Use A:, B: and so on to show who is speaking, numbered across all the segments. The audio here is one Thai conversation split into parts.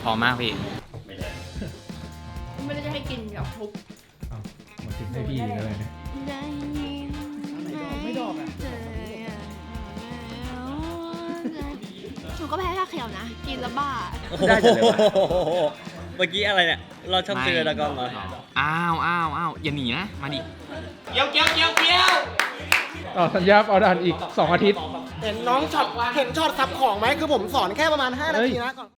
A: พอมากพี่
B: ไม่ได้จะให้กินแบบทุบ
C: มาถึงให้พี่อะไรเนี่ย
B: ไม่ดอกอ่ะหนูก็แพ้ชาเขียวนะกินแล้วบ้า
D: ได้จังเลยวะเมื่อกี้อะไรเนี่ยเราช่องเจอดากอนเหรอ
A: อ้าวอย่าหนีนะมาดิเกี้ยว
C: ต่อสัญญาเอาดันอีก2 อาทิตย์
E: เห็นน้องช็อตเห็นช็อตซับของไหมคือผมสอนแค่ประมาณ5 นาทีนะก่อน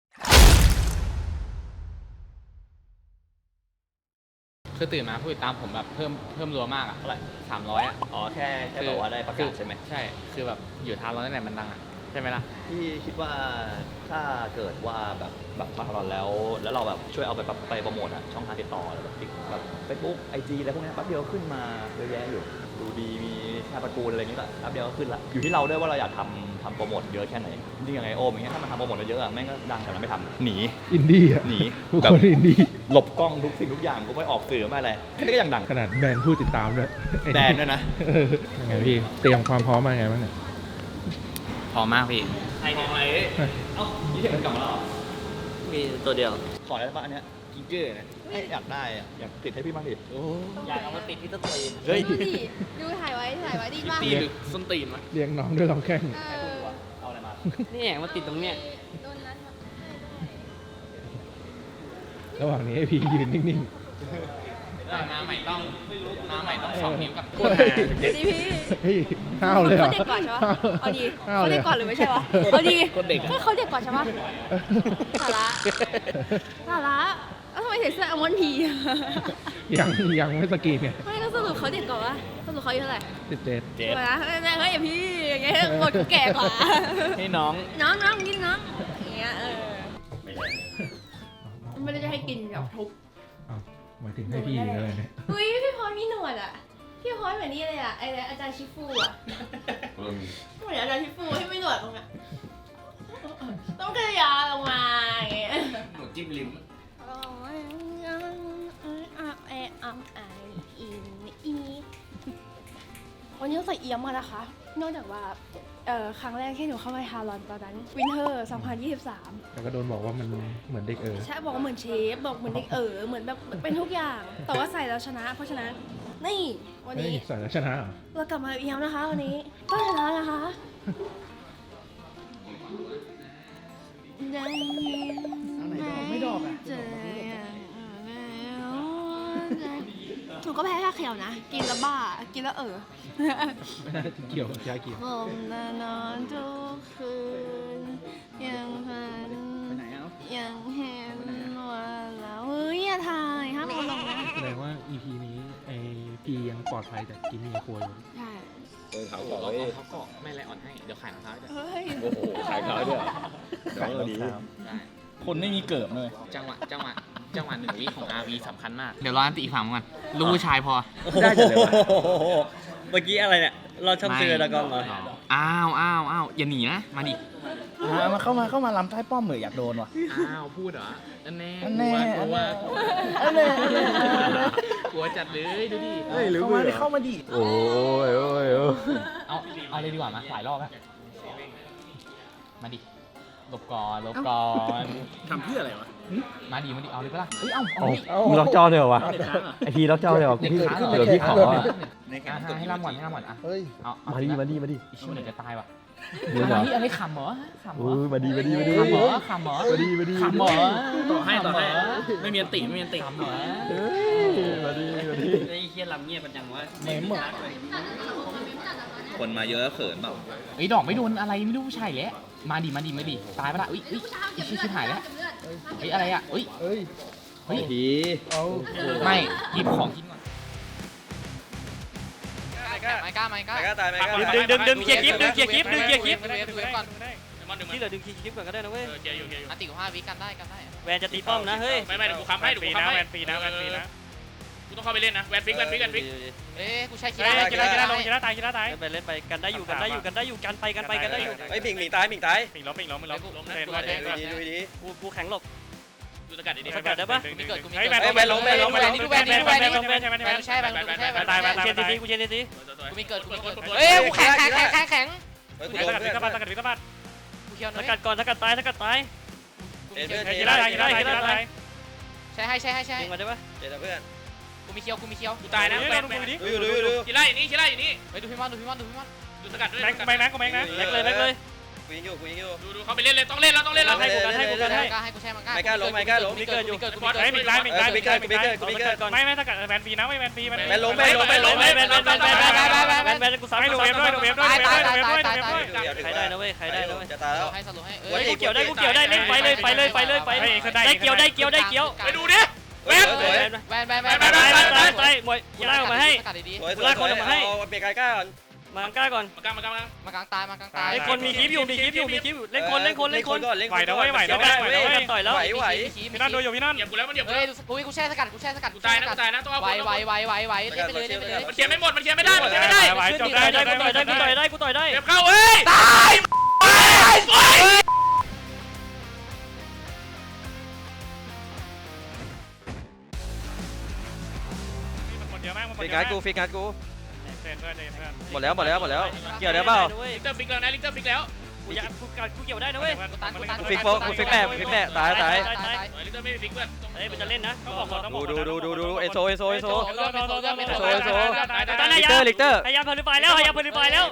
A: คือตื่นมาผู้ติดตามผมแบบเพิ่มรัวมากอะเท่าไหร่300อะ
D: อ๋อแค่บอกว่าได้ประกาศใช่ไหม
A: ใช่คือแบบอยู่ทางเราตั้งแต่มันดังอะใช่ไหมล่ะ
D: พี่คิดว่าถ้าเกิดว่าแบบมาทำแล้วเราแบบช่วยเอาไปโปรโมทอะช่องทางติดต่อแบบเฟซบุ๊กIGอะไรพวกนี้แป๊บเดียวขึ้นมาเยอะแยะอยู่ดูดีมีแค่ประกูลอะไรนี้ก็แป๊บเดียวก็ขึ้นละอยู่ที่เราด้วยว่าเราอยากทำโปรโมทเยอะแค่ไหนนี่ยังไงโอมอย่างเงี้ยถ้ามันทำโปรโมทเยอะอะแม่งก็ดังแต่เราไม่ทำหนี
C: อินดี้อะ
D: หนี
C: แบบอินดี้
D: หลบกล้องทุกสิ่งทุกอย่างกูไม่ออกสื่อไม่อะไรแค่นี้ก็ยังดัง
C: ขนาดแบรนด์ผู้ติดตามด้วย
D: แบรนด์ด้วยนะ
C: ยังไงพี่เตรียมความพร้อมมาไงบ้างเนี่ย
A: พอมากพี่
D: ไอ้ของอะไรเอ้ายี่สิบกลับมาแล้วมีตัวเดียวขอได้ป่ะอันเนี้ยกิ๊กเกอร์นะอยากได้อะอยากติดให้พี่บ้างดิอยากเอามาติดที่ต้นตีน
B: เฮ้ยดูถ่ายไว้ดีมาก
A: ตีหรือส้นตีนวะ
C: เลี้ยงน้องด้วยลำแข้ง
D: เอาอะไรมา
A: นี่แหงมาติดตรงเนี้ย
C: ระหว่างนี้ให้พี่ยืนนิ่ง
A: มาใหม่ต้อง2 นิ้วกับ
B: ดีพี่
C: เฮ้ยห้าวเลยเหรอ
B: เขาเด็กก่อนใช่ปะเอาดีเขาเด็กก่อนหรือไม่ใช่วะเอาดีเขาเด็กก่อนใช่ปะสาระแล้วทำไมใส่เสื้ออัลมอนด์พี
C: ยังไม่สกีนเนี่ย
B: ไม่แล้วสรุปเขาเด็กก่อนวะสรุปเขาอายุเท่าไหร่
C: 17
B: นะเฮ้ยพี่อย่างเงี้ยบทแก่กว่า
A: ให้น้อง
B: กินน้องอย่างเงี้ยไม่ได้จะให้กินแบบทุบ
C: มาถึงให้พี่อะไรเนี่ย
B: อุ้ยพี่พรมีหนวดอ่ะพี่พรเหมือนนี่เลยอ่ะไอ้อาจารย์ชิฟูอ่ะเหมือนอาจารย์ชิฟูที่ไม่หนวดตรงเนี้ยต้องกระยาลงมาอย่างเงี้ย
A: หนวดจิ้มลิ้ม
B: วันนี้เราใส่เอี้ยมมานะคะนอกจากว่าครั้งแรกที่หนูเข้ามาฮารอนตอนนั้นวินเทอร์2023
C: แต่ก็โดนบอกว่ามันเหมือนเด็ก
B: ใช่บอกว่าเหมือนเชฟบอกเหมือนเด็กเหมือนแบบเป็นทุกอย่างแต่ว่าใส่แล้วชนะเพราะฉะนั้นนี่วันนี้
C: ใส่แล้วชนะ
B: เรากลับมาเอี้ยมนะคะวันนี้ต้องชนะนะคะได้ยินไม่ดอกอ่ะหนูก็แพ้ชาเขียวนะกินแล้วบ้ากินแล้ว
C: ไม่น่าจะเกี่ยวกับชาเขียว
B: ผมนอนทุกคืนยังฝันยังเห็นว่าเราอย่าถ่ายห้ามเอาลงนะ
C: แสดงว่า EP นี้ไอพียังปลอดภัยจากกินมีครัวอยู่
B: ใช่
A: เขาเกาะไม่ไรอ่อนให้เดี๋ยวขายรองเท้าด้วย
D: โอ้โหขายรองเท้าด้วย
C: ขายรองเท้า
A: คนไม่มีเกิบเลยจังหวะ1 วิของ RV สำคัญมากเดี๋ยวรออันตีอีกฝั่งกันลูกผู้ชายพอ
D: ได้จังเลยวะเมื่อกี้อะไรเนี่ยเราช่องเจอดากอนเหรอ
A: อ้าวอย่าหนีนะมาดิ
E: มาเข้ามาลำใต้ป้อมเหมือนอยากโดนว่ะ
A: พูดเหรออันแน่กลัวจัดเลยดูดิ
E: เข้ามาดิ
C: โอ้ย
A: เอาเลยดีกว่ามาหลายรอบแล้วมาดิหลบก่อน
E: ทำเพื่ออะไรวะ
A: มาดิเอาเลยปะล่ะ
C: มึงล็อกจอเลยวะไอพีล็อกจอเลยวะพี่เดี๋ยวพี่ขอ
A: ให้ล่ำก่อน
E: เฮ้ย
C: มาดิ
A: อีชิวเหนือจะตายว่ะ
C: อะไร
A: ขำเหรอ
C: มาดี
A: ขำเหรอ
E: ต่อให้ไม่มีอันติ
A: ขำเหรอ
C: มาดี
E: ไอ้เคียนลำเงียบมันจังวะ
C: เมมอ่ะ
D: คนมาเยอะเขินเปล่า
A: ดอกไม่โดนอะไรไม่รู้ผู้ชายแหละมาดิตายปะล่ะชิบหายแล้วอะไรอ่ะ
D: พี
A: ไม่หยิบของกินก่อนไม่กล้า
D: ตาย
E: ดึงเคลียร์คลิปที่เหลือดึงเคลียร์คลิปก่อนก็ได้นะเว้ย
A: อันติของ5 วิกันได้
E: แวนจะตีป้อมนะเฮ้ย
A: ไม่เดี๋ยวกูค้ำให้
E: แวนฟรีนะ
A: กูต้องเข้าไปเล่นนะแวนฟิกกูใช้กีฬา
E: ตายเล่นไปกันได้อยู่กันได้อยู่กันได้อยู่
D: ไอ้ปิ่งตาย
E: ปิ่งล้มดูดีกูแข็งหลบ
A: ดูสกัดดี
E: สกัดได้ปะ
A: แวนล้มนี่ดูแวน
E: ใช่ตายเชนซีกู
A: มีเกิดกูแข็ง
E: สกัดก่อนสกัดตาย
A: กู
E: กีฬาอะไร
F: ใช่ให้
D: ยิงมาได้ปะเจอเพื่อน
F: กูมีเคียว
E: กูตายนะแบง
D: ดู
E: กีฬาอย่างนี้กีฬาอย่างนี้
F: ไปดูพี่มอนดู
E: ดูสกัดด้วย
A: แบงค์นะกูแบงค์นะ
E: แบงเลย
D: กูยิงอยู่
E: ดูเขาไปเล่นเลยต้องเล่นแล้วต้องเล่นแล้ว
F: ให้กูแช่มังกล้ามีเกิด
E: ไม่ถ้ากัดแบนปีนะไม่แบนปีมัน
D: แบนล้ม
A: กูซ้ำให้ดูเวฟด้วย
F: ตาย
D: ใครได้นะเว้ยจะตายแล้ว
F: ให้สรุปให้
A: กูเกี่ยวได้เล่นไปเลยได้เกี่ยว
E: ไปดูดิแบน
F: แบน
A: มวยกูไล่ออกมาให้
D: สวยเอาเบรกก้าก่อน
A: มากล้าก่อน
E: มากลาง
F: ตาย
A: ไอ้คนมีคลิปอยู่เล่นคน
D: ไหวแล้วไหว
A: พี่นั่นดูอยู่พี่นั่น
E: เหยียบกูแล้วมันเหยียบ
F: เฮ้ยกูแช่สกัดกูตายนะต้องเอาไหวเล่นไปเลย
E: มันเคลียร์ไม่หมดมันเคลียร์ไม่ได้
A: ไหวจบได้กูต่อยได้
E: เก็บเข้าเอ้ยตาย
A: มันเยอะมาก
D: ฟิกงานกูหมดแล้วเกี่ยวได้เปล่า
E: ลิกเตอร์ฟิกแล้วนะลิกเตอร์ฟิกแล้ว
A: กูเกี่ยวได้นะเว้ย
D: ฟิกแปะตาย
E: ลิกเตอร์ไม่ฟิกเพื่อน
A: เฮ้ยมันจะเล่นนะต้องบอก
D: ดูเอโซ
F: ลิ
D: ลิ
F: เต
D: เต
F: อ
D: อ
F: ร์
D: ร์
A: พยายามพลิไฟแล้ว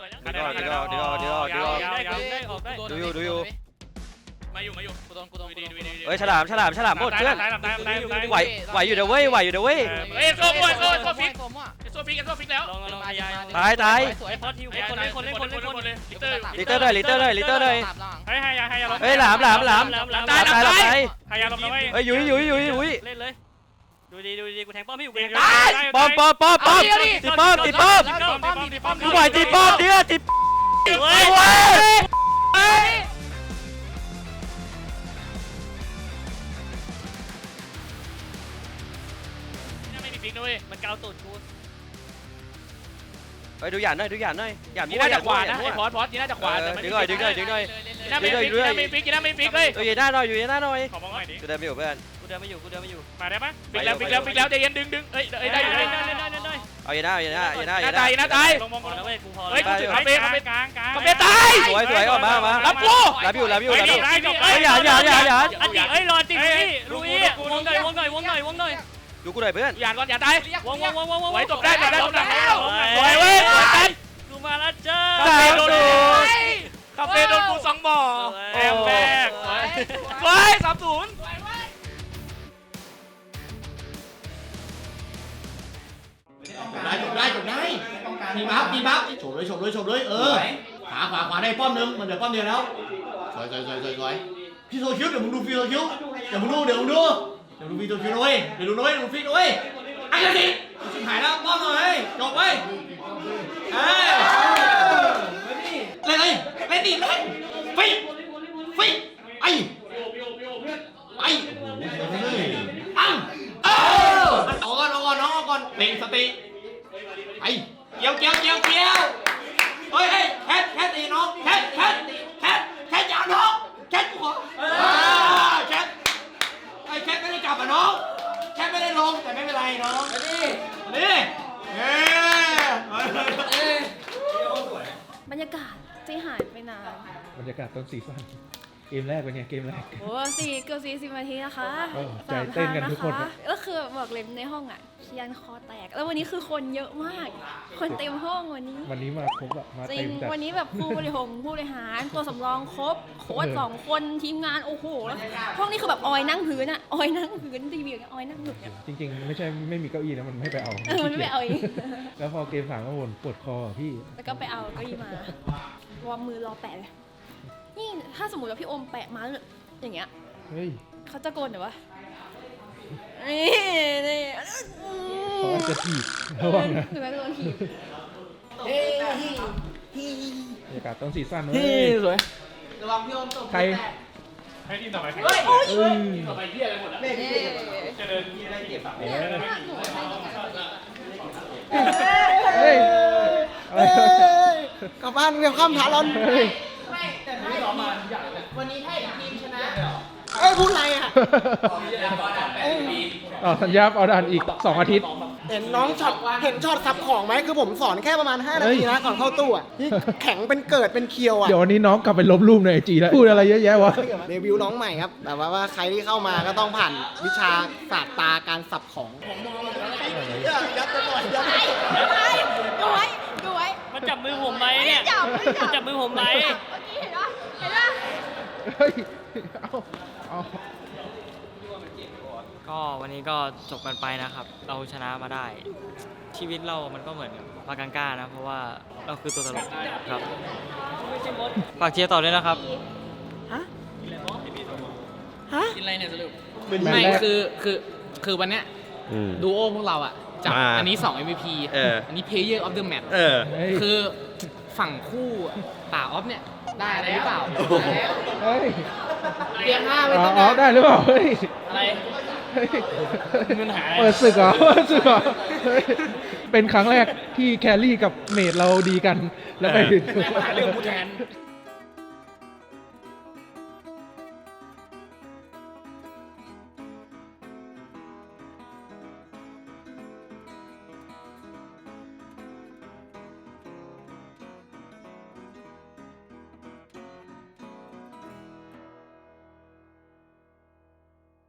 D: ดูอยู่
E: มาอยู่
F: กูโดน
D: เฮ้ยฉลามหมดเพื่อนไหวอยู่เด้อเว้ย
E: เฮ้ยโซ่ฟิกแล้ว
D: ตาย
A: ไอ้พอทิวคนเล่น
E: ลิกเตอร์
D: ลิเตอร์เลย
A: เฮ้ยให้ยาลง
D: เฮ้ยหลาม
A: ให้ยาลงนะเว้ย
D: เฮ้ยยุ้ย
A: เล่นเลยดูดีกูแทงป้อมพี่อยู่
D: ป้อมติดป้อมกูไหวติดป้อมเนี่ยติดเว้ย
E: ไม่มีฟิกนะเว้ย
A: มันเกาตูดกู
D: เฮ้ยดูหยาดหน่อยหยาด
E: ยีน่าจะขวานะไอ้พอสยีน่าจะขวา
D: ดึงหน่อย
E: ยีน่าไม่ฟิกเลย
D: อยู่หน้าหน่อย
A: ขอมองหน่อยดิ
D: กูเดินไม่อยู่เพื่อน
A: กูเดินไม่อยู่มาได้ปะ
E: ฟิกแล้วใจเย็นดึงเอ้ยได้
D: เอาอย่าหน้า
E: ตาย
A: ลงมองก่อนนะเว้ยกูพอ
E: เฮ้ยกูถือคาเฟ่กลางตาย
D: สวยออกมารับกูรับอยู่
A: เฮ้ยอย่าอันนี้เฮ้ยรอติพี่ลุยวงหน่อย
D: ดูกูหน่อยเพื่อน
E: อย่าก่อนอย่าตายว
A: ง
E: ไว้จบได้แล้วสวยเว้ยกัน
A: กูมาแล้วจ้า
E: คาเฟ่โดนกู2บ่อแอบแบกเฮ้ย30
G: ได้มีบัฟโฉบเลยขวาได้ป้อมนึงมันเดี๋ยวป้อมเดียวแล้วสวยพี่โซคิวเดี๋ยวมึงดูฟีโซคิวเดี๋ยวมึงดูฟีโซคิวด้วยเดี๋ยวดูฟีด้วยไอ้เด็กชิบหายแล้วป้อมหน่อยจบไปเล่นดิฟิกไอ้เอาก่อนเต็งสติไอ้เกี่ยวเฮ้ยแคทตีน้องแคทอย่าน้องแคทกูขอแคทไม่ได้กลับอ่ะน้องแคทไม่ได้ลงแต่ไม่เป็นไรน้องนี่
B: บรรยากาศที่หายไปนาน
C: บรรยากาศต้นซีซั่นเกมแรกเป็นไงเกมแรก
B: โอ้เกือบ40 นาทีนะคะ
C: ใจเต้นกันทุกคน
B: ก็คือบอกเลยในห้องอ่ะเคียนคอแตกแล้ววันนี้คือคนเยอะมาก คนเต็มห้องวันนี้
C: วันนี้มาครบอะมา
B: จริ
C: เต็
B: ง
C: มจัด
B: วันนี้แบบผู้บริหารตัวสำรองครบโค้ช2 คนทีมงานโอ้โหแล้วห้องนี้คือแบบออยนั่งพื้นอ่ะออยนั่งพื้นทีวีออยนั่งหนุนเนี่ย
C: จริงๆไม่มีเก้าอี้นะมันไม่ไปเอา
B: มันไม่เอาเอง
C: แล้วพอเกม3ก็บ่นปวดคอพี่
B: แล้วก็ไปเอาเก็ยีมาวอร์มมือรอแปะเลยนี่ถ้าสมมติว่าพี่โอมแปะมาอย่างเงี้ย
C: เฮ้ย
B: เขาจะโกนหรือวะนี่
C: เขาอาจจะถีบระวังนะ
B: หรือว่าโดนถีบบ
C: รรยากาศต้นซีซั่นเว้
D: นี่
C: ย
D: สวย
G: ระวังพี่โอมตก
C: ใคร
A: ให้ทีมต่อไป
C: เอ้ย
E: ต่อไปเหี้ยอะไรหมดอ่ะ
A: จะเดิน
B: เนี่ยถ้าหนูใช้ต้องการ
C: เฮ้ยอะไร
G: กลับบ้านเรียกข้ามถารอน
C: เฮ้ย
G: แต่ถ้าวันนี้ถ้าอีกทีมชนะพูดอะไรอ่ะ
C: ต่อสัญญาเอาด่านอีก2 อาทิตย์
H: เห็นน้องช็อตเห็นช็อตซับของไหมคือผมสอนแค่ประมาณ5นาทีนะก่อนเข้าตู้อ่ะที่แข็งเป็นเกิดเป็นเคียวอ่ะ
I: เดี๋ยววันนี้น้องกลับไปลบรูปในไอจีแล้วพูดอะไรเยอะแยะวะ
H: เดบิวต์น้องใหม่ครับแต่ว่าใครที่เข้ามาก็ต้องผ่านวิชาศาสตร์ตาการสับของผมมองยัดไปก่อนยัดไปก่อน
B: ดูไว้ดูไว้
E: มันจับมือผมไหมเนี่ย
B: ไม่จับ
E: จับมือผมไหม
B: เมื่อกี้เห็นปะเห็นปะ
I: เฮ้ย เอา
J: ก็วันนี้ก็จบกันไปนะครับ เราชนะมาได้ ชีวิตเรามันก็เหมือนปากังก้านะ เพราะว่าเราคือตัวตลกครับฝากเชียร์ต่อด้วยนะครับ
F: กินอะไรเนี่ยสรุป
I: ไม่
F: คือวันเนี้ยดูโอพวกเราอะจับอันนี้ 2 MVP อันนี้ Player of the Match คือฝั่งคู่ป่าออฟเนี่ยได้อะไรหรือเปล่า
I: เฮ้ย
F: เรียง5ไป
I: อ๋
F: ตั้ง
I: อได้หรือเปล่า เฮ้ย
F: อะไร
I: เฮ้ย
E: มันหาอะไร
I: เปิดศึกเหรอเปิดศึกเหรอเฮ้ยเป็นครั้งแรกที่แครี่กับเมดเราดีกัน แล้วไป
E: หาเรื่องกูแทน